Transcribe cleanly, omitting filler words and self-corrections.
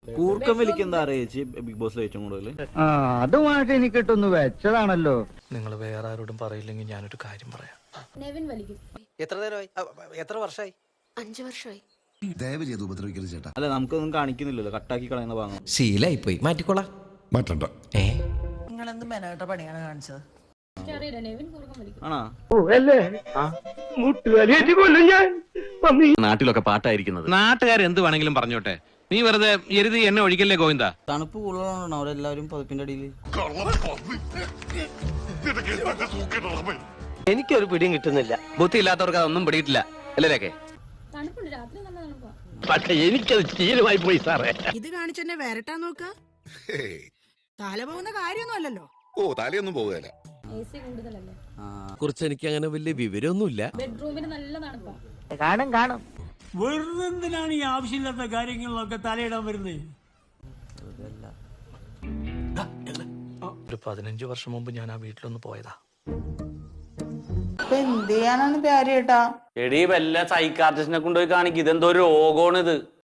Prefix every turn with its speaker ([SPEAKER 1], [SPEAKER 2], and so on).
[SPEAKER 1] കൂർക്കം വലിക്കുന്ന ആരാ ചേച്ചി ബിഗ് ബോസ് ഏറ്റവും കൂടുതൽ?
[SPEAKER 2] അതുമായിട്ട് എനിക്ക് കിട്ടുന്നു വെച്ചതാണല്ലോ.
[SPEAKER 3] നിങ്ങൾ വേറെ ആരോടും പറയില്ലെങ്കിൽ ഞാനൊരു കാര്യം പറയാം.
[SPEAKER 4] നെവിൻ വലിക്കും.
[SPEAKER 5] എത്ര നേരമായി? എത്ര വർഷമായി?
[SPEAKER 4] 5 വർഷമായി.
[SPEAKER 6] ദയവ് ചെയ്ത് ഉപദ്രവിക്കരുത് ചേട്ടാ.
[SPEAKER 1] അല്ല നമുക്കൊന്നും കാണിക്കുന്നില്ലല്ലോ, കട്ടാക്കി കളയുന്ന ഭാഗം.
[SPEAKER 7] ശീലായിപ്പോയി, മാറ്റിക്കോളാം.
[SPEAKER 6] മാറ്റണ്ട.
[SPEAKER 8] നിങ്ങളെന്ത് മെനോട്ട പണിയാണ് കാണിച്ചത്?
[SPEAKER 4] എനിക്കറിയില്ല, നെവിൻ കൂർക്കം വലിക്കും.
[SPEAKER 1] ആണോ?
[SPEAKER 9] നാട്ടിലൊക്കെ പാട്ടായിരിക്കുന്നത്. നാട്ടുകാർ എന്ത് വേണമെങ്കിലും പറഞ്ഞോട്ടെ, നീ വെറുതെ എരുതി എന്നെ ഒഴിക്കല്ലേ ഗോവിന്ദ.
[SPEAKER 1] തണുപ്പ് കൂടുതലാണോ അവരെല്ലാവരും പതിപ്പിന്റെ അടിയിൽ?
[SPEAKER 5] എനിക്കൊരു പിടിയും കിട്ടുന്നില്ല.
[SPEAKER 9] ബുദ്ധി ഇല്ലാത്തവർക്ക് അതൊന്നും പിടിയിട്ടില്ല അല്ലേ?
[SPEAKER 4] തണുപ്പുണ്ട്, രാത്രി നല്ല തണുപ്പാ.
[SPEAKER 9] പക്ഷെ എനിക്കത് ശീലമായി പോയി സാറേ.
[SPEAKER 8] ഇത് കാണിച്ചെന്നെ വരട്ടാ നോക്ക. തല പോകുന്ന കാര്യമൊന്നും അല്ലല്ലോ.
[SPEAKER 6] ഓ തലയൊന്നും പോകുകയല്ല.
[SPEAKER 4] AC കൂടുതലല്ലേ.
[SPEAKER 7] കുറിച്ച് എനിക്ക് അങ്ങനെ വലിയ വിവരമൊന്നുമില്ല.
[SPEAKER 4] ബെഡ്റൂമിന് നല്ല തണുപ്പാ.
[SPEAKER 2] കാണും.
[SPEAKER 10] വെറുതെ എന്തിനാണ് ഈ ആവശ്യമില്ലാത്ത കാര്യങ്ങളിലൊക്കെ തലയിടാൻ വരുന്നത്?
[SPEAKER 3] ഒരു 15 വർഷം മുമ്പ് ഞാൻ ആ വീട്ടിലൊന്ന് പോയതാ.
[SPEAKER 8] എന്ത് ചെയ്യാനാണ് പ്യാരിയേട്ടാ?
[SPEAKER 9] എടീ വല്ല സൈക്കാട്രിസ്റ്റിനെ കൊണ്ടുപോയി കാണിക്കും. ഇതെന്തോ രോഗമാണ് ഇത്.